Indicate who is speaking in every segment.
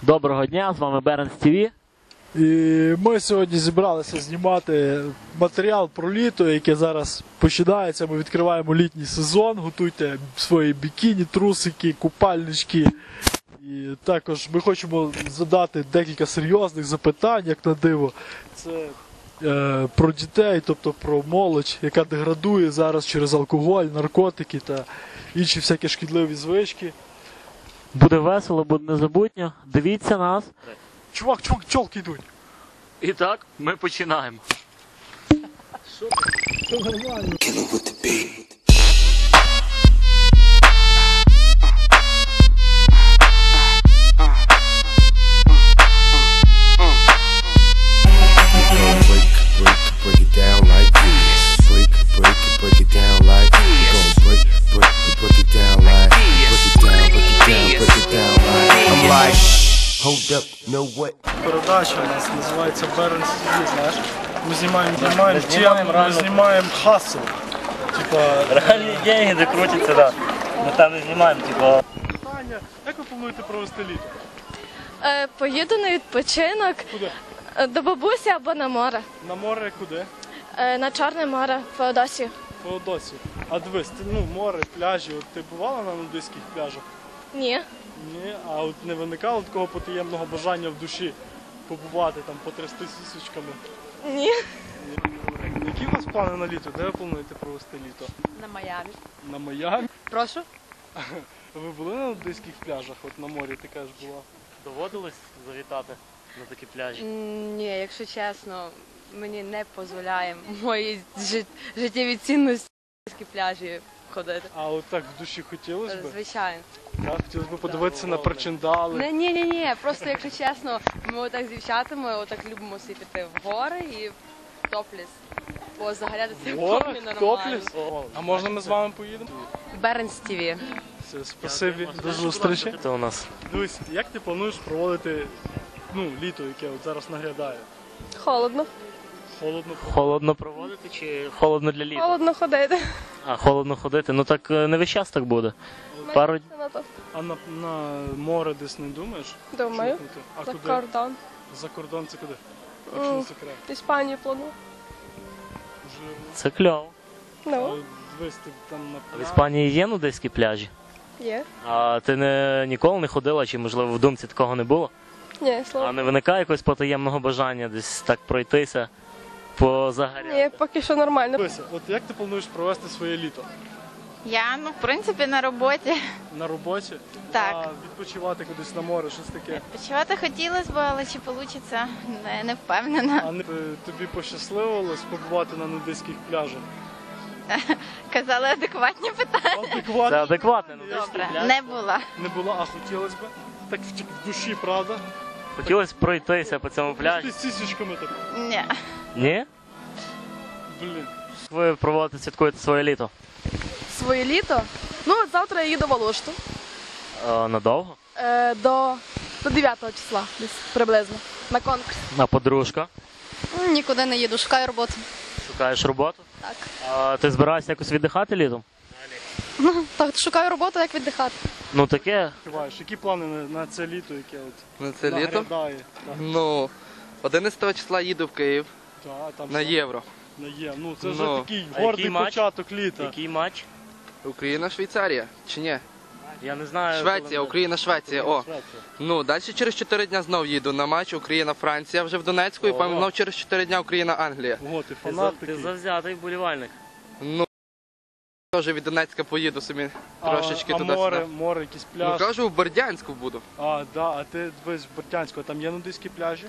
Speaker 1: Доброго дня, з вами Беренс ТВ.
Speaker 2: І ми сьогодні зібралися знімати матеріал про літо, яке зараз починається. Ми відкриваємо літній сезон, готуйте свої бікіні, трусики, купальнички. І також ми хочемо задати декілька серйозних запитань, як на диво. Це про дітей, тобто про молодь, яка деградує зараз через алкоголь, наркотики та інші всякі шкідливі звички.
Speaker 1: Буде весело, буде незабутньо. Дивіться нас.
Speaker 2: Чувак, чолки йдуть.
Speaker 1: І так, ми починаємо.
Speaker 2: Все нормально. Передача у нас називається Беренс ТВ, знаєш? Ми знімаємо тему, ми знімаємо хасл. Типа...
Speaker 1: Реальні деньги, де крутяться, да. Ми там не знімаємо, типа...
Speaker 2: Таня, як ви плануєте провести літо?
Speaker 3: Поїду на відпочинок.
Speaker 2: Куди?
Speaker 3: До бабусі або на море.
Speaker 2: На море куди?
Speaker 3: На Чорне море, в Феодосію.
Speaker 2: Феодосію. А дивись, ти, море, пляжі, от ти бувала на нудистських пляжах?
Speaker 3: Ні.
Speaker 2: Ні, а от не виникало такого потаємного бажання в душі побувати, там, потрясти сісочками?
Speaker 3: Ні.
Speaker 2: Які у вас плани на літо? Де ви плануєте провести літо?
Speaker 4: На Майамі.
Speaker 2: На Майамі?
Speaker 4: Прошу?
Speaker 2: Ви були на нудистських пляжах? От на морі ти кажеш була?
Speaker 1: Доводилось завітати на такі пляжі?
Speaker 4: Ні, якщо чесно, мені не дозволяє мої життєві цінності на такі пляжі ходити.
Speaker 2: А от так в душі хотілося б?
Speaker 4: Звичайно.
Speaker 2: Так, хотілося б подивитися на причиндали.
Speaker 4: Ні, просто якщо чесно, ми отак з дівчатами отак любимо собі піти в гори і в топліс. Позагорятися в
Speaker 2: Гора?
Speaker 4: комі нормально.
Speaker 2: Топліс? А можна ми з вами поїдемо?
Speaker 4: Беренс ТВ.
Speaker 2: Все, спасибі, до зустрічі.
Speaker 1: Це у нас.
Speaker 2: Дивись, як ти плануєш проводити літо, яке от зараз наглядає?
Speaker 3: Холодно.
Speaker 2: Холодно?
Speaker 1: Холодно проводити чи холодно для літа?
Speaker 3: Холодно ходити.
Speaker 1: А, холодно ходити. Ну так не весь час так буде. Пару днів.
Speaker 2: А на море десь не думаєш?
Speaker 3: Думаю.
Speaker 2: Чухнути? А
Speaker 3: За
Speaker 2: куди?
Speaker 3: кордон.
Speaker 2: За кордон це куди? Якщо не секрет.
Speaker 3: Іспанію планую.
Speaker 2: Жирно.
Speaker 1: Це кльово.
Speaker 3: Ну,
Speaker 2: Дивись, ти там на
Speaker 1: В
Speaker 2: пляжі.
Speaker 1: Іспанії є нудистські пляжі?
Speaker 3: є.
Speaker 1: А ти ніколи не ходила, чи можливо в думці такого не було?
Speaker 3: Ні,
Speaker 1: А
Speaker 3: слава.
Speaker 1: не виникає якогось потаємного бажання десь так пройтися, позагоряти?
Speaker 3: Ні, поки що нормально.
Speaker 2: Дивися, от як ти плануєш провести своє літо?
Speaker 5: Я, в принципі, на роботі.
Speaker 2: На роботі?
Speaker 5: Так.
Speaker 2: А відпочивати кудись на море, щось таке?
Speaker 5: Почувати хотілося б, але чи вийде, не впевнена.
Speaker 2: А тобі пощасливилось побувати на нудистських пляжах?
Speaker 5: Казали адекватні питання.
Speaker 2: Адекватно?
Speaker 1: Це адекватне нудистський
Speaker 5: Добре,
Speaker 1: пляж.
Speaker 5: не була.
Speaker 2: Не було, а хотілося б? Так в душі, правда?
Speaker 1: Хотілося пройтися по цьому
Speaker 2: Ти
Speaker 1: пляжі.
Speaker 2: з сісічками так.
Speaker 5: Ні.
Speaker 1: Ні?
Speaker 2: Блін.
Speaker 1: Ви проводите, святкуєте своє літо?
Speaker 3: Своє літо? Ну, от завтра я їду в Алушту.
Speaker 1: Надовго?
Speaker 3: До 9 числа десь приблизно. На конкурс.
Speaker 1: А подружка?
Speaker 3: Нікуди не їду, шукаю роботу.
Speaker 1: Шукаєш роботу?
Speaker 3: Так.
Speaker 1: А ти збираєшся якось віддихати літом?
Speaker 3: Так, шукаю роботу, як віддихати.
Speaker 1: Ну таке.
Speaker 2: Відчуваєш, які плани на це літо, яке от
Speaker 6: На це літо?
Speaker 2: наглядає? Так.
Speaker 6: Ну, 11 числа їду в Київ
Speaker 2: Так, там
Speaker 6: на
Speaker 2: що?
Speaker 6: Євро.
Speaker 2: На є. Ну це вже
Speaker 6: Ну.
Speaker 2: такий
Speaker 1: А
Speaker 2: гордий
Speaker 1: який матч?
Speaker 2: початок літа.
Speaker 1: Який матч?
Speaker 6: Україна-Швейцарія. Чи ні?
Speaker 1: Я не знаю.
Speaker 6: Швеція, Україна-Швеція. О. Ну, далі через 4 дня знов їду на матч Україна-Франція вже в Донецьку і потім знов через 4 дня Україна-Англія.
Speaker 2: Ого, ти
Speaker 1: Ти,
Speaker 2: фанат
Speaker 1: ти
Speaker 2: такий.
Speaker 1: завзятий вболівальник.
Speaker 6: Ну, теж від Донецька поїду собі трошечки
Speaker 2: а
Speaker 6: туди-сюди.
Speaker 2: море, якийсь
Speaker 6: Ну,
Speaker 2: пляж.
Speaker 6: кажу, в Бердянську буду.
Speaker 2: А ти дивись в Бортянську, а там є нудистські пляжі?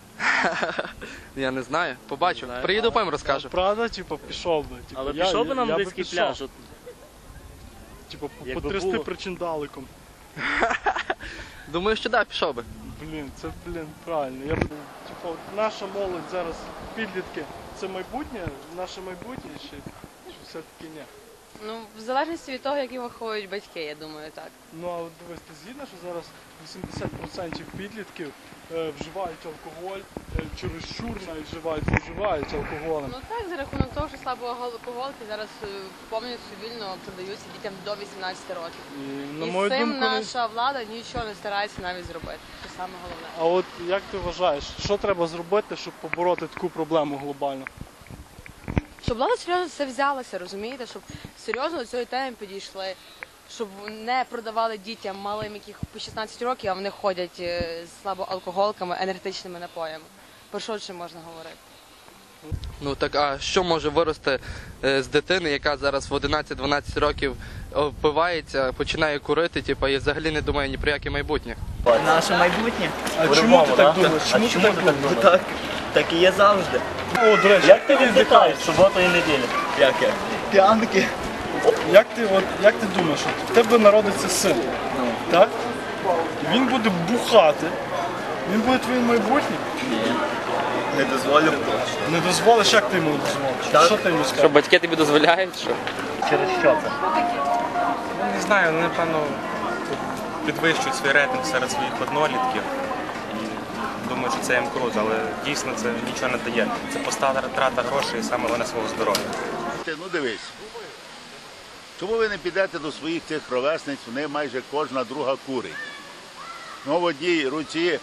Speaker 6: Я не знаю, побачу.
Speaker 1: знаю.
Speaker 6: Приїду, потім розкажу.
Speaker 2: Правда, типу, пішов би. Типу,
Speaker 1: Але пішов би на нудистський
Speaker 2: пішов.
Speaker 1: пляж. От,
Speaker 2: Типу,
Speaker 1: Якби
Speaker 2: потрясти
Speaker 1: було.
Speaker 2: причиндаликом.
Speaker 6: Думаю, що так, пішов би.
Speaker 2: Блін, це, правильно. Я б, типу, от наша молодь зараз, підлітки, це майбутнє, наше майбутнє чи все-таки ні?
Speaker 4: Ну, в залежності від того, які виховують батьки, я думаю, так.
Speaker 2: Ну, а от дивись, ти згідна, що зараз 80% підлітків вживають алкоголь, чересчур навіть вживають алкоголем.
Speaker 4: Ну так, за рахунок того, що слабо алкоголки зараз повністю вільно продаються дітям до 18 років.
Speaker 2: І, на
Speaker 4: І
Speaker 2: мою
Speaker 4: з цим
Speaker 2: думку,
Speaker 4: наша влада нічого не старається навіть зробити. саме головне.
Speaker 2: А от як ти вважаєш, що треба зробити, щоб побороти таку проблему глобально?
Speaker 4: Щоб влада серйозно це взялася, розумієте? Щоб серйозно до цієї теми підійшли. Щоб не продавали дітям малим, яких по 16 років, а вони ходять з слабоалкоголками, енергетичними напоями. Про що ще можна говорити?
Speaker 6: Ну так, а що може вирости з дитини, яка зараз в 11-12 років впивається, починає курити, типу, і взагалі не думає ні про яке майбутнє?
Speaker 7: Наше майбутнє.
Speaker 2: А чому ти так думаєш? Чому ти так думаєш?
Speaker 7: Так, так і є завжди.
Speaker 2: О, до речі,
Speaker 1: Як ти віддихаєш суботу і неділю?
Speaker 7: Як? П'янки.
Speaker 2: Як ти думаєш, от в тебе народиться син, так? І він буде бухати, він буде твоїм майбутнім?
Speaker 7: Не дозволю.
Speaker 2: Не дозволиш, як ти йому не дозволиш?
Speaker 7: Так.
Speaker 2: Що ти йому
Speaker 6: Що
Speaker 2: скажеш?
Speaker 6: батьки тобі дозволяють, що?
Speaker 1: Через що це?
Speaker 8: Не знаю, вони, напевно, підвищують свій рейтинг серед своїх однолітків і думаю, що це їм круто, але дійсно це нічого не дає. Це пуста трата грошей і саме головне свого здоров'я.
Speaker 9: Ну дивись, чому ви не підете до своїх цих ровесниць, вони майже кожна друга курить. Ну в одній руці,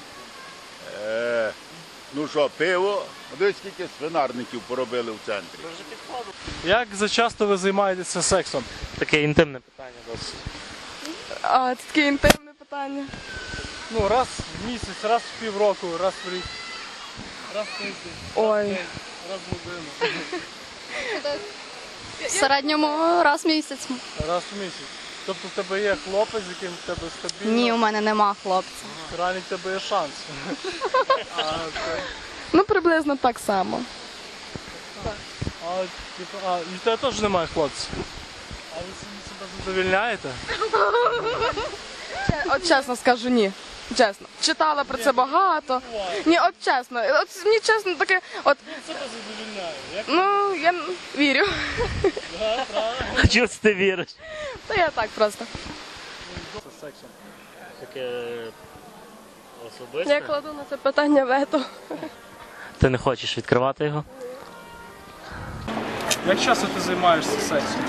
Speaker 9: ну що, пиво, дивись, скільки свинарників поробили в центрі.
Speaker 2: Як зачасто ви займаєтеся сексом?
Speaker 1: Таке інтимне питання досить.
Speaker 3: А, це таке інтимне питання.
Speaker 2: Ну, раз в місяць, раз в півроку, раз в рік. Раз в тиждень,
Speaker 3: Ой.
Speaker 2: раз в годину.
Speaker 5: В середньому раз в місяць.
Speaker 2: Раз в місяць. Тобто в тебе є хлопець, з яким в тебе стабільно?
Speaker 5: Ні, у мене нема хлопця.
Speaker 2: Реально в тебе є шанс.
Speaker 3: Ну, приблизно так само.
Speaker 2: І в тебе теж немає хлопців? А ви себе задовільняєте?
Speaker 3: От чесно скажу, ні. Чесно. Читала про це багато. Ні, от чесно. От мені чесно таке, от,
Speaker 2: Себе задовільняє. Як
Speaker 3: ну, я вірю.
Speaker 1: А чого це ти віриш?
Speaker 3: Та я так просто.
Speaker 2: з сексом?
Speaker 1: Таке особисте?
Speaker 3: Я кладу на це питання вето.
Speaker 1: Ти не хочеш відкривати його?
Speaker 2: Як часто ти займаєшся сексом?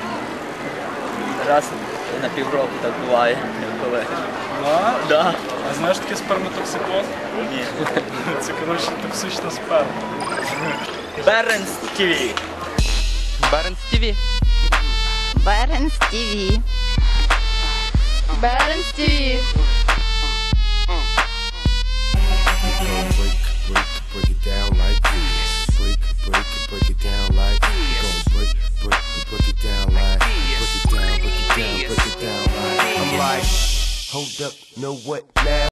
Speaker 7: Раз на півроку так буває, коли.
Speaker 2: Да?
Speaker 7: Да.
Speaker 2: А знаєш таке сперматоксикоз?
Speaker 7: Ні.
Speaker 2: Це, коротше, токсична сперма.
Speaker 7: Беренс ТВ.
Speaker 6: Беренс ТВ.
Speaker 5: Беренс ТВ.
Speaker 3: Беренс ТВ.
Speaker 10: Break it down like this. Break it down like this. Break it down like. Break it down like. I'm like, hold up, know what now?